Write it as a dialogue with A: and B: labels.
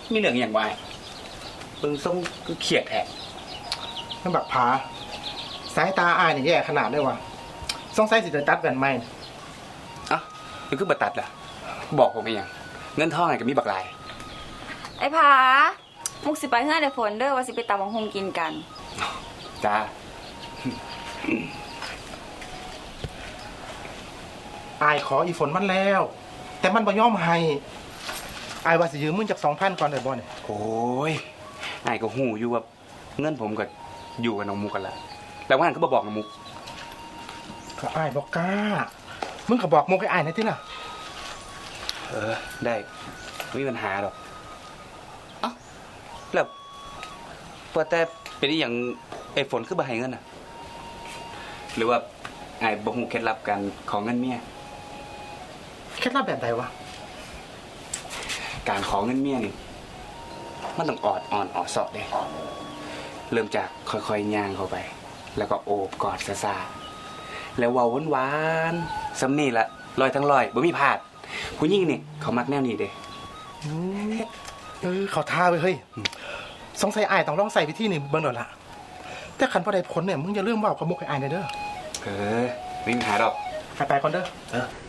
A: มีเรื่องอย่างไรเบิ่งส่งคือเขียดแท้
B: นั่นแบบผาสายตาอายนี่แย่ขนาดเลยวะสงสัยสิจะตัดแว่นใหม่
A: อ่ะมันคือบัตัดล่ะบอกผมไปยังเงินทองไงก็มีบักลาย
C: ไอ้ผามุกสิไปเฮือนไอ้ฝนเด้อว่าสิไปตำบักหุ่งกินกัน
A: จ้า
B: อายขออีฝนมันแล้ว แต่มันบ่ยอมให้อายว่าสิยืมมึงจาก2,000ก่อนได้บ่เนี่ย
A: โอ้ยไอ้ก็หูอยู่ว่าเงินผมก็อยู่กับน้องมุกกันละแล้วว่าหันก็บอกน้องมุก
B: ก็อายบอกกล้ามึงก็บอกมุกให้อายหน่อยติล่ะ
A: ได้ไม่มีปัญหาหรอกเอ้าแล้วพอแต่เป็นอย่างไอ้ฝนคือบ่ให้เงินอ่ะ หรือว่าไอ้บ่ฮู้เคล็ดลับการของเงินเมีย
B: เคล็ดลับแบบใดวะ
A: การขอเงินเมียนี่มันต้องออดอ่อนออดเสาะเด้เริ่มจากค่อยๆย่างเข้าไป แล้วก็โอบกอดซาๆแล้วเว้าหวานๆสำนี่ละลอยทั้งลอยบ่มีพลาด ผู้หญิงนี่เขามักแนวนี้เด้
B: เขาท่าไว้เฮ้ยสงสัยอายต้องลองใส่วิธีนี่เบิ่งดอกละแต่คันบ่ได้ผลเนี่ยมึงอย่าลืมเว้ากับมุกให้อายหน่อยเด้อ
A: ไม่มีปัญหาดอก
B: ไปก่อนเด้อ